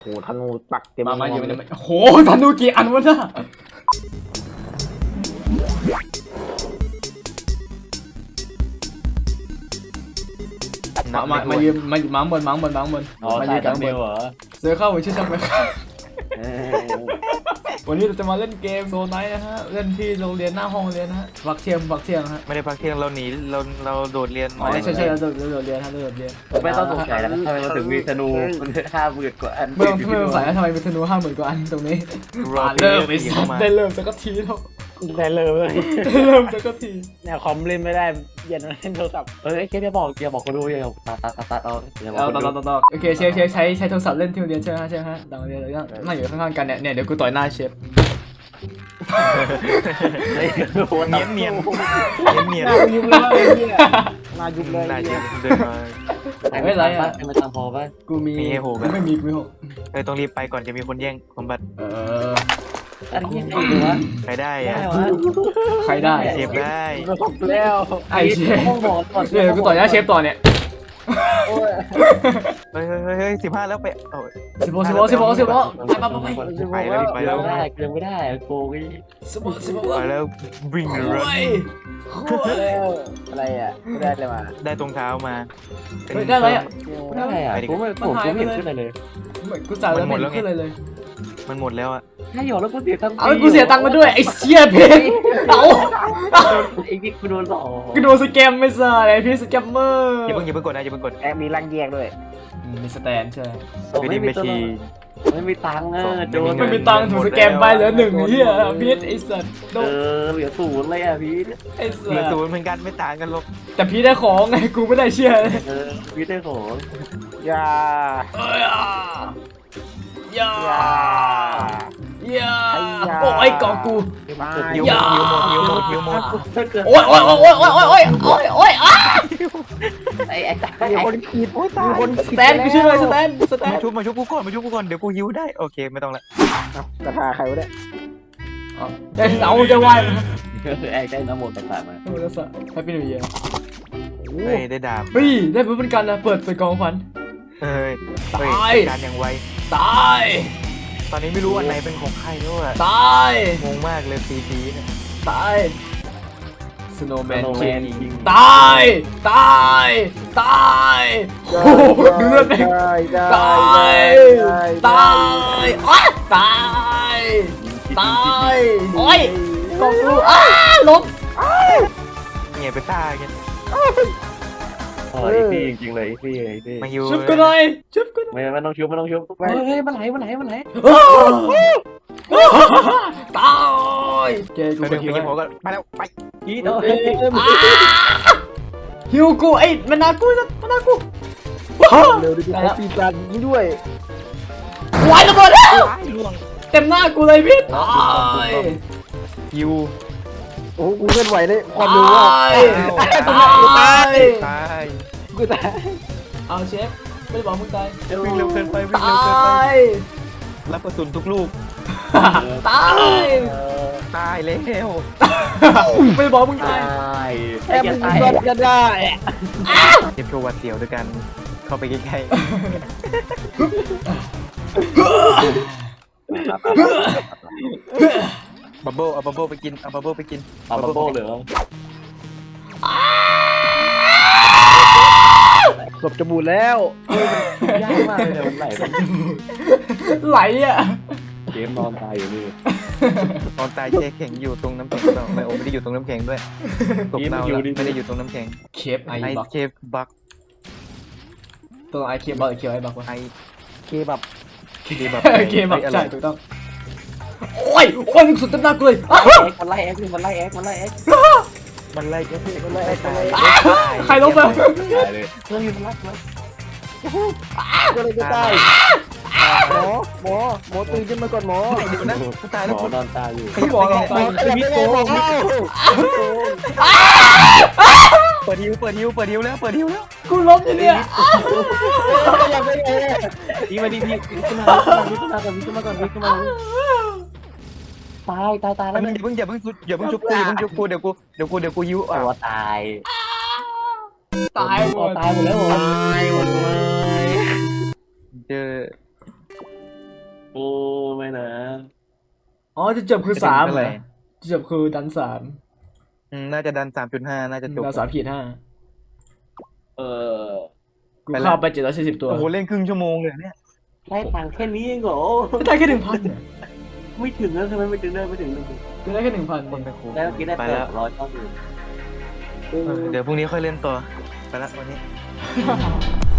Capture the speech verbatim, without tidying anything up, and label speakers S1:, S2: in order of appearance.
S1: โหธนูปักเต็ม
S2: มามาอยู่ในโอ้โหธนูกี่อันวะน่ะมามามายืมมามังบนมังบนมังบน
S3: อ๋อ
S2: มา
S3: ใช่
S2: ยืมกั
S3: ดั
S2: น
S3: ม
S2: บ
S3: เบ
S2: น
S3: ลเหรอ
S2: เสือเข้าไปชื่อช่างไป
S1: เออ
S2: วันนี้เราจะมาเล่นเกมโซนไนท์นะฮะเล่นที่โรงเรียนหน้าห้องเรียนนะฮะพักเที่ยงพักเที่ยงฮะ
S4: ไม่ได้พักเที่ยงเราหนีเราเราโดดเรียน
S2: อ๋อใช่ใช่เราโดดเราโดดเรียนฮะเราโดดเรียน
S3: ไม่ต้องสงสัยแล้วทำไมมันถึงมีธนูมันห้าหมื่นกว่าอัน
S2: ไม่ต้องไม่ต้องใส่ทำไมเป็นธนูห้าหมื่นกว่าอันตรงนี้
S4: รอ
S2: เริ่มไป
S4: ผี
S2: สั
S4: เข้า
S2: ตว์
S4: มา
S2: ได้เริ่มสักทีแล้ว
S1: ได้เลย
S2: ได้เริ่มสักที
S1: เนี่ยคอมเล่นไม่ได้เย็นเล่นโทรศัพท์
S3: เอ้ยแค่อย่าบอกอย่าบอกคนดูอย่าตัดตัดตัดตัดเอาอย่าบอก
S2: เอา
S3: คน
S2: ต่อ
S3: ดู
S2: ต่อต่อโอเคเชฟเชฟใช้ใช้โทรศัพท์เล่นที่โรงเรียนใช่ไหมใช่ไหมฮะดังเรียนเลยนั่งอยู่ข้างๆกันเนี่ยเนี่ยเดี๋ยวกูต่อยหน้าเชฟ
S3: เฮ้ยโคตร
S4: เนียนเนียนเนียน
S1: หน้ายุบเลยเนี่ยหน้ายุบเลย
S4: นาย
S1: เนี่ย
S4: เดินมา
S2: ไม่ไรอ่ะ
S3: ให้มันตามพอป่ะ
S2: กูมี
S4: มีให้โหไหม
S2: กูไม่มีกูไม่หก
S4: เฮ้ยต้องรีบไปก่อนจะมีคนแย่งสมบัติ
S2: เออ
S3: อันนี้ยังไงดีวะ
S4: ใครได้
S3: ได้
S4: อะ
S3: วะ
S2: ใครได้
S4: เชฟได้
S1: ก็จบแล้ว
S2: ไอ้เชฟ
S3: ต้องบอกก่อน
S2: เดี๋ยวกูต่อยหน้าเชฟต่อเนี่ย
S1: โอ้ย
S4: เฮ้ยเฮ้ยเฮ้ยสิบห้าแล้วไปโอ้ย
S2: สิบโมสิบโมสิบโมสิบโมไปไปไป
S4: ไปแล้วไปแล้ว
S3: ไม่ได้ยังไม่ได้โกง
S2: สิบโมสิบโม
S4: ไปแล้ว bring the
S2: โอ้
S4: run
S2: ยโอ้ย
S1: แล้วอะไรอ่ะไม่ได้เลยมา
S4: ได้ตรงเท้ามา
S2: เฮ้ยได้อะไรอ่ะ
S3: ไม่ได้อ่ะผมไม่ผมไม่เห็นขึ้นอะไรเลย
S2: กูจ่ายแล้วไม่ขึ้นเลยเลย
S4: มันหมดแล้วอะ
S3: ถ้าหยอดแล้วกูเสียตังค์
S2: เอากูเสียตังค์มาด้วยไอ้เชี่ยเพนเอา
S3: ไอ้นี่กูโดนหลอก
S2: กูโดนสแกมไม่ใช่ไอพี่สแกมเมอร์
S4: อย่าเพิ่งอย่าเพิ่งกดนะอย่าเพิ่งกด
S1: แอบมีรังแยกด้วย
S2: มีสแตนใช่
S4: วิดีไม่ชี
S3: ไม่มีตังค์เออโดน
S2: ไม่มีตังค์ถูกสแกมไปเหลือหนึ่งเฮียพีทไอสัตว์โด
S3: เอน อเหลือศูนย์เลยอ่ะพี่
S2: ไอสั
S4: เหลือ
S2: ต
S4: ศู
S2: ว์
S4: นย์เหมือนกันไม่ต่างกันหรอก
S2: แต่พีทได้ของไงกูไม่ได้เชี่ยเลย
S3: เออพี่ได้ของ
S1: อย่า
S2: เอ้ยอ่ะอย่า
S1: อย่า
S2: อย่าโอ้ยกอกู
S1: มา
S4: หิว
S2: อย่า
S4: หิวหมดหิวหมดหิวหมด
S3: ถ้าเกิด
S2: โอ้ยโอ้ยโอ้ยโอ้ยโอ้ยโอ้ยโอ้ยโอ้ยอ้า
S3: ไอ้ไอ้ตา
S1: มีคนขีดมีคน
S2: สแตนกูช่วยเลยสแตนสแตน
S4: มาชุบมาชุบกูก่อนมาชุบกูก่อนเดี๋ยวกูหิวได้โอเคไม่ต้องละ
S1: กระทาใครวะเนี่ย
S2: เดี๋ยวเอาจะไหวไหม
S3: ไอ้ได้น้ำหมดต่างๆมา
S2: โอ้ยแล้วสัตว์แฮปปี้นิวเยียร์
S4: เฮ้ยได้ดาบ
S2: เฮ้ยได้เป็นกันนะเปิดเปิดกองฟัน
S4: เฮ้ย
S2: ตาย
S4: เฮ้ยการอย่างไว
S2: ตาย
S4: ตอนนี้ไม่รู้อันไหนเป็นของใครด้วย
S2: ตาย
S4: งงมากเลยซีซีเนี่ย
S2: ตายสโนว์แมน
S3: โนแม
S2: คิง
S3: นยิง
S2: ตายตายตายโอ้โหเลือดเอง
S1: ได้ได้
S2: ตาย
S1: ได้
S2: ตายอ้าตายตายโอ้ยกองกูอ้าล้ม
S4: เงียบไปซ่ากัน
S3: เออไอ้พี่จริงๆเลยไอ้พี่ไอ้พี่
S4: มาหิว
S2: ชุบกันหน่อยชุบกันหน่อย
S3: ไม่ไม่ต้องชุบไม่ต้องชุบเฮ้ยมันไหลมันไหลมันไหล
S2: ตายเกย์กู
S4: ไป
S2: ไป
S4: เดี๋ยว
S2: หิว
S4: ไปยิงหัวก็ไปแล้วไป
S3: พี่เนาะ
S2: หิวกูไอ้มันนากูมันนากู
S1: เร็วดิพี่เขาปีจันนี้ด้วย
S2: วายระเบิดแล้ว
S4: ตายล่วง
S2: เต็มหน้ากูเลยพี่ตาย
S4: หิว
S1: โอ้กูเคลื่อนไหวได้ความเร็วว่า
S2: ตายตาย
S4: ตาย
S1: กูตาย
S2: เอาเชฟไม่ได้บอกมึงตาย
S4: วิ่งเร็วเกินไปวิ่ง
S2: ต
S4: เร็วเกินไป
S2: าย
S4: รับกระสุนทุกลูก
S2: ตาย
S4: ตายแล้ว
S2: ไม่ได้บอกมึงตาย
S3: ตาย
S1: แอบมึงรอดกันได้
S4: เก็บโชว์วัดเสียวด้วยกันเข้าไปใกล้ๆบับเบิ้ลเอาบับเบิ้ลไปกินเอาบับเบิ้ลไปกิน
S3: เอาบับเบิ้ลเหรอ
S1: ศพจะบูดแล้ว
S3: ยากมากเลยมันไหลมัน
S2: ไหลอ่ะ
S3: เกมนอนตายอยู่นี่
S4: ตอนตายเจ๊แข็งอยู่ตรงน้ำแข็งเราไม่โอ้ไม่ได้อยู่ตรงน้ำแข็งด้วยตกเน่าแล้วไม่ได้อยู่ตรงน้ำแข็ง
S2: เคฟไอ
S4: ไอ
S2: บัก
S4: เคฟบัก
S2: ตัวไอเคฟบักหรือเคฟไอบักวะ
S4: ไอ
S1: เคบับ
S4: เคบับ
S2: เคฟบักใช่ถูกต้องโอ้ยโอ้ยสุดเต็มหน้ากูเลย
S3: แอ็กมันไล่แอ็กมันไล่แอ็กมันไล่แอ็ก
S4: มันไล่ก็
S1: มันไล่มันไล่
S2: ใครลบไป
S3: ตายเลยเฮ้ยมันไล่มัน
S1: ก็เลยจะตายหมอหมอหมอตื่นขึ้นมาก่อนหมอ
S4: เดี๋ยวนะกูตายแล้ว
S3: หม
S4: กู
S3: อนอนตายอยู่
S4: ขยับไปไง
S1: หมอขยับไม่ได้หมอ
S4: เปิดฮิวเปิดฮิวเปิดฮิวแล้วเปิดฮิวแล้ว
S2: กูล้มอยู่เนี่ย
S1: ขยับไม่ได้
S3: พี่มาดิพี่ขึ้นมาขึ้นมาก่อนขึ้นมาก่อนขึ้นมาตายตายตาย
S4: แล้
S3: แล้ว ว
S4: มึงอย่าเพิ่งอย่าเพิ่งอย่าเพิ่งชุบกูอย่าเพิ่งชุบกูเดี๋ยวกูเดี๋ยวกูเดี๋ยวกูฮิวอ่ะ
S3: ตัวตาย
S2: ตายหมด
S3: ตายหมดแล้วเหรอตายหมดเลย
S4: เจอ
S3: โอ้ไม่นะ
S2: อ๋อจะจบคือสามเหรอจะจบคือดันสาม
S4: อืมน่าจะดันสามจุดห้าน่าจะจบ
S2: ดันสามขีดห้า
S3: เออ
S2: กูเข้าไปเจ็ดร้อยสี่สิบตัว
S4: โอ้โหเล่นครึ่งชั่วโมงเลยเนี่ย
S3: ได้ตังค์แค่นี้เองเหรอ
S2: ได้แค่หนึ่งพัน
S3: ไม่ถึงนะทำไมไม่ถึงได้ไม่ถึงเลย
S2: กูได้แค่หนึ่งพัน
S4: คนไปคู
S3: ได้เมื่อกี้ได้
S4: ไป
S3: แป
S4: แล้ว
S3: ดร้อยเท่าเดิม
S4: เออเดี๋ยวพรุ่งนี้ค่อยเล่นต่อไปละวันนี้
S2: เ